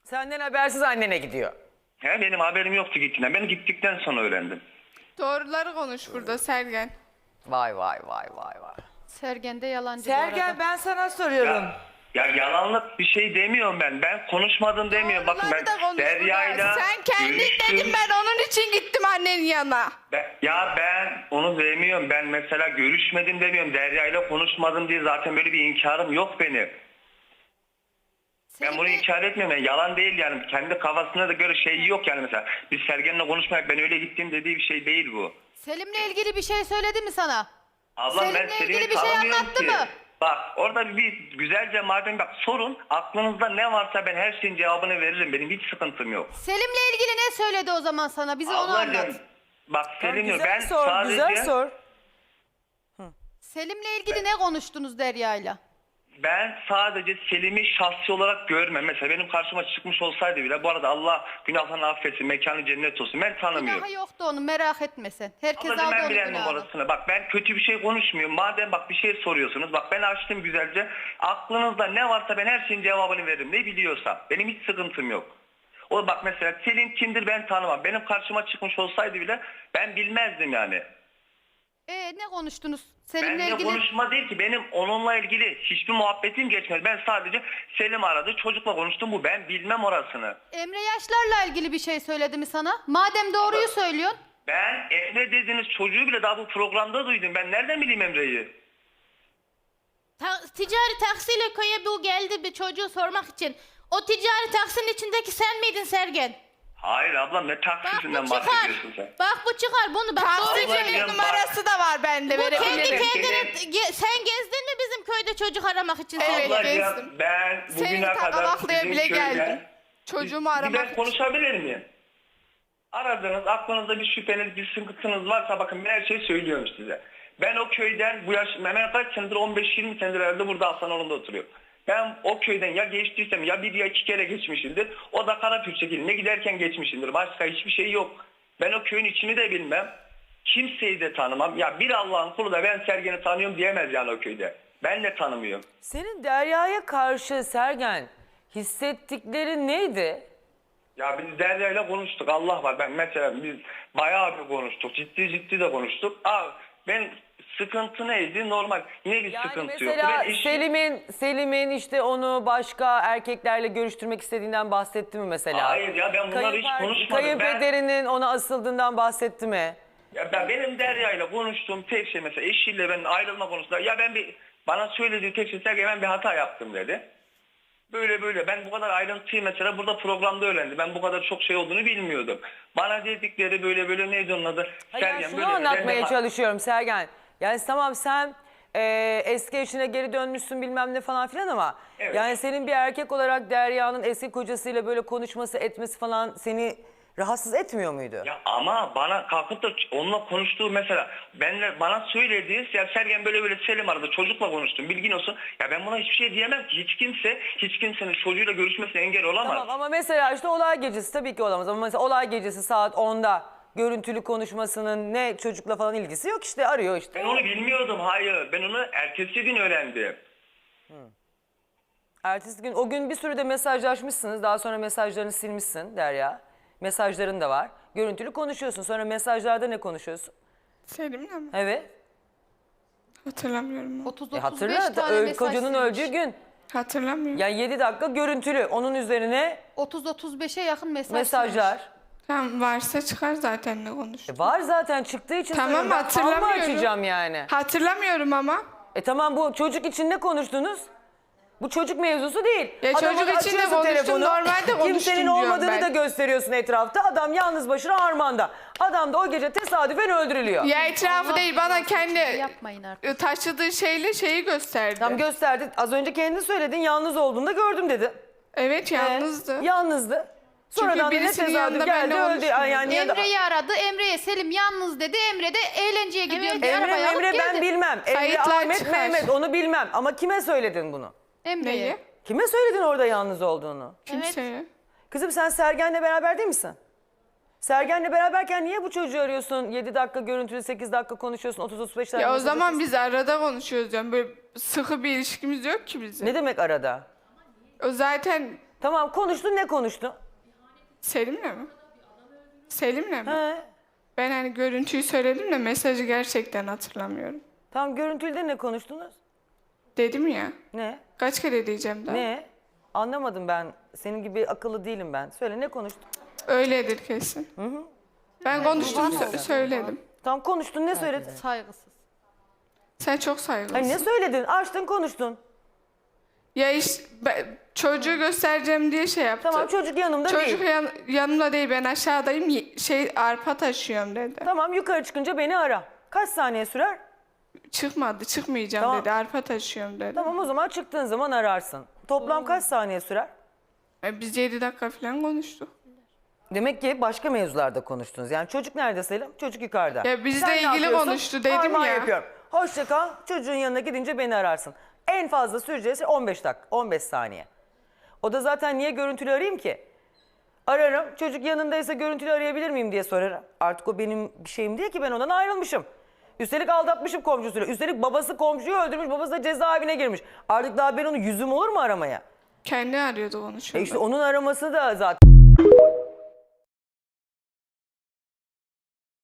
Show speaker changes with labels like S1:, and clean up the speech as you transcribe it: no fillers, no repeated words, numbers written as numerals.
S1: Senden habersiz annene gidiyor.
S2: He, benim haberim yoktu gittiğinden. Ben gittikten sonra öğrendim.
S3: Doğruları konuş burada Sergen.
S1: Vay vay vay vay vay.
S4: Sergen de yalancı bu
S5: Sergen
S4: arada.
S5: ben sana soruyorum.
S2: Ya yalanlık bir şey demiyorum ben. Ben konuşmadım demiyorum. Bakın ben
S3: Doğruları da konuş
S2: Derya'yla
S3: burada. Sen kendin
S2: görüştüm.
S3: dedin, ben onun için gittim annenin yanına.
S2: Ben onu demiyorum. Ben mesela görüşmedim demiyorum. Derya'yla konuşmadım diye zaten böyle bir inkarım yok benim. Ben bunu inkar etmiyorum. Yani yalan değil yani. Kendi kafasına da göre şey yok yani mesela. Biz Sergen'le konuşmayak ben öyle gittim dediği bir şey değil bu.
S4: Selim'le ilgili bir şey söyledi mi sana?
S2: Ablam ben
S4: Selim'le
S2: Selim'i
S4: ilgili bir şey
S2: tanımıyorum
S4: anlattı
S2: ki.
S4: mı?
S2: Bak orada bir güzelce madem bak sorun aklınızda ne varsa ben her şeyin cevabını veririm. Benim hiç sıkıntım yok.
S4: Selim'le ilgili ne söyledi o zaman sana? Bize onu anlat.
S2: Ablacığım bak Selim
S1: Güzel
S2: ben
S1: sor,
S2: sadece
S1: güzel sor.
S4: Selim'le ilgili ne konuştunuz Derya'yla?
S2: ben sadece Selim'i şahsi olarak görmem. Mesela benim karşıma çıkmış olsaydı bile bu arada Allah günahlarını affetsin, mekanı cennet olsun. Ben tanımıyorum.
S4: Günahı yoktu onun, merak etme sen. Herkes
S2: Ablacığım
S4: aldı
S2: ben
S4: onun
S2: bilen
S4: günahını.
S2: numarasını. Bak ben kötü bir şey konuşmuyorum. Madem bak bir şey soruyorsunuz. Bak ben açtım güzelce. Aklınızda ne varsa ben her şeyin cevabını veririm. Ne biliyorsam. Benim hiç sıkıntım yok. O bak mesela Selim kimdir ben tanımam. Benim karşıma çıkmış olsaydı bile ben bilmezdim yani.
S4: Ne konuştunuz? Selim'le
S2: Benimle
S4: ilgili
S2: konuşma değil ki. Benim onunla ilgili hiçbir muhabbetim geçmedi. Ben sadece Selim aradı. Çocukla konuştum bu. Ben bilmem orasını.
S4: Emre Yaşlar'la ilgili bir şey söyledi mi sana? Madem doğruyu söylüyorsun.
S2: Ben Emre dediğiniz çocuğu bile daha bu programda duydum. Ben nereden bileyim Emre'yi?
S6: Ticari taksiyle köye bu geldi bir çocuğu sormak için. O ticari taksinin içindeki sen miydin Sergen?
S2: Hayır ablam ne
S6: Bak
S2: taksisinden
S6: bu çıkar.
S2: bahsediyorsun sen?
S6: Bak bu çıkar bunu bak. Doğru
S2: Ablacığım,
S3: Taksicinin
S2: bak.
S3: numarası da var bende,
S6: Bu kendi
S3: verebilirim.
S6: kendine sen gezdin mi bizim köyde çocuk aramak için?
S3: Evet.
S6: Sergen?
S3: gezdim.
S2: Ablacığım ben
S3: Seni
S2: bugüne kadar
S3: takalaklaya
S2: sizin
S3: bile
S2: köyden...
S3: geldim. Çocuğumu
S2: Bir
S3: aramak
S2: ben
S3: için.
S2: konuşabilir miyim? Aradınız, aklınızda bir şüpheniz, bir sıkıntınız varsa bakın ben her şeyi söylüyorum size. Ben o köyden bu yaş, hemen kaç senedir 15-20 senedir herhalde burada Hasanoğlu'nda oturuyorum. Ben o köyden ya geçtiysem ya bir ya iki kere geçmişimdir. O da Karapürçek'in ne giderken geçmişimdir. Başka hiçbir şey yok. Ben o köyün içini de bilmem. Kimseyi de tanımam. Ya bir Allah'ın kulu da ben Sergen'i tanıyorum diyemez yani o köyde. Ben de tanımıyorum.
S1: Senin Derya'ya karşı Sergen hissettikleri neydi?
S2: Ya biz Derya'yla konuştuk. Allah var. Ben mesela biz bayağı bir konuştuk. Ciddi de konuştuk. Ben sıkıntı neydi? Normal. Yine bir
S1: Yani
S2: sıkıntı yok.
S1: mesela
S2: Ben
S1: Selim'in işte onu başka erkeklerle görüştürmek istediğinden bahsetti mi mesela?
S2: Hayır ya ben bunları hiç konuşmadım.
S1: Kayınpederinin ona asıldığından bahsetti mi?
S2: Benim Derya'yla konuştuğum tek şey mesela eşiyle ben ayrılma konusunda ya bana söylediği tek şey Sergen ben bir hata yaptım dedi. Böyle ben bu kadar ayrıntıyı mesela burada programda öğrendim. Ben bu kadar çok şey olduğunu bilmiyordum. Bana dedikleri böyle neydi onun adı?
S1: Hayır, şunu anlatmaya çalışıyorum Sergen. Yani tamam sen eski eşine geri dönmüşsün bilmem ne falan filan ama
S2: Evet.
S1: yani senin bir erkek olarak Derya'nın eski kocasıyla böyle konuşması etmesi falan seni rahatsız etmiyor muydu?
S2: Ya ama bana kalkıp da onunla konuştuğu mesela bana söylediği ya Sergen böyle Selim aradı çocukla konuştum bilgin olsun. Ya ben buna hiçbir şey diyemem ki hiç kimsenin çocuğuyla görüşmesine engel olamaz.
S1: Tamam ama mesela işte olay gecesi tabii ki olamaz ama mesela olay gecesi saat 10'da görüntülü konuşmasının ne çocukla falan ilgisi yok işte arıyor işte.
S2: Ben onu bilmiyordum hayır ben onu ertesi gün öğrendim.
S1: Ertesi gün o gün bir sürü de mesajlaşmışsınız daha sonra mesajlarını silmişsin Derya. Mesajların da var. Görüntülü konuşuyorsun sonra mesajlarda ne konuşuyorsun?
S3: Selim'le mi?
S1: Evet.
S3: Hatırlamıyorum.
S4: 30-35
S1: Hatırla
S4: tane mesaj
S1: kocanın
S4: silmiş.
S1: öldüğü gün.
S3: Hatırlamıyorum.
S1: Yani 7 dakika görüntülü. Onun üzerine
S4: 30-35'e yakın
S1: mesajlar.
S3: Tamam, varsa çıkar zaten ne konuş.
S1: Var zaten çıktığı için
S3: Tamam,
S1: söylüyorum. Ben fal mı
S3: hatırlamıyorum.
S1: açacağım yani?
S3: Hatırlamıyorum ama.
S1: Tamam bu çocuk için ne konuştunuz? Bu çocuk mevzusu değil.
S3: Ya
S1: Adama
S3: çocuk
S1: da
S3: için de
S1: açıyorsun
S3: konuştum, normalde konuştum
S1: Kimsenin
S3: diyorum
S1: olmadığını
S3: ben.
S1: da gösteriyorsun etrafta. Adam yalnız başına harmanda. Adam da o gece tesadüfen öldürülüyor.
S3: Ya etrafı
S4: Allah
S3: değil, bana
S4: rızası için
S3: kendi
S4: yapmayın artık.
S3: taşıdığı şeyi gösterdi.
S1: Tam gösterdi. Az önce kendin söyledin yalnız olduğunda gördüm dedi.
S3: Evet, yalnızdı.
S1: Yalnızdı. Sonradan da ne
S3: birisinin
S1: tesadüf
S3: yanında
S1: geldi
S3: benimle
S1: öldü.
S3: konuşmuyor.
S1: Yani ya da-
S4: Emre'yi aradı. Emre'ye Selim yalnız dedi. Emre de eğlenceye gidiyor. diye arabaya alıp
S1: Emre ben
S4: geldi.
S1: bilmem. Emre,
S3: Kayıtlar
S1: Ahmet,
S3: çıkar.
S1: Mehmet onu bilmem. Ama kime söyledin bunu?
S4: Emre'ye.
S3: Neyi?
S1: Kime söyledin orada yalnız olduğunu?
S3: Kimseye.
S1: Kızım sen Sergen'le beraber değil misin? Sergen'le beraberken niye bu çocuğu arıyorsun? 7 dakika görüntülü 8 dakika konuşuyorsun 30-35 dakika.
S3: Ya o zaman biz arada konuşuyoruz diyorum. Böyle sıkı bir ilişkimiz yok ki bizim.
S1: Ne demek arada?
S3: O zaten
S1: Tamam konuştun, ne konuştun?
S3: Selim'le mi? Selim'le mi?
S1: He.
S3: Ben hani görüntüyü söyledim de mesajı gerçekten hatırlamıyorum.
S1: Tamam görüntülde ne konuştunuz?
S3: Dedim ya.
S1: Ne?
S3: Kaç kere diyeceğim daha?
S1: Ne? Anlamadım ben. Senin gibi akıllı değilim ben. Söyle ne konuştun?
S3: Öyledir kesin. Ben konuştum söyledim.
S1: Tamam konuştun, ne söyledin?
S4: Saygısız.
S3: Sen çok saygılısın.
S1: Hayır, ne söyledin? Açtın konuştun.
S3: Ya işte çocuğu göstereceğim diye şey yaptı.
S1: Tamam çocuk yanımda
S3: Çocuk
S1: değil.
S3: yanımda değil, ben aşağıdayım, arpa taşıyorum dedi.
S1: Tamam yukarı çıkınca beni ara. Kaç saniye sürer?
S3: Çıkmadı, çıkmayacağım
S1: Tamam.
S3: dedi, arpa taşıyorum dedi.
S1: Tamam o zaman çıktığın zaman ararsın. Toplam kaç saniye sürer?
S3: Biz 7 dakika falan konuştuk.
S1: Demek ki başka mevzularda konuştunuz. Yani çocuk nerede Selim? Çocuk yukarıda.
S3: Ya bizle
S1: Sen ne
S3: ilgili
S1: yapıyorsun?
S3: konuştu dedim
S1: Armağan
S3: ya.
S1: yapıyorum. Hoşça kal. Çocuğun yanına gidince beni ararsın. En fazla süreceği şey 15 dakika, 15 saniye. O da zaten niye görüntülü arayayım ki? Ararım. Çocuk yanındaysa görüntülü arayabilir miyim diye sorarım. Artık o benim bir şeyim değil ki, ben ondan ayrılmışım. Üstelik aldatmışım komşusuyla. Üstelik babası komşuyu öldürmüş, babası da cezaevine girmiş. Artık daha ben onu yüzüm olur mu aramaya?
S3: Kendi arıyordu onu şu anda.
S1: İşte onun araması da zaten...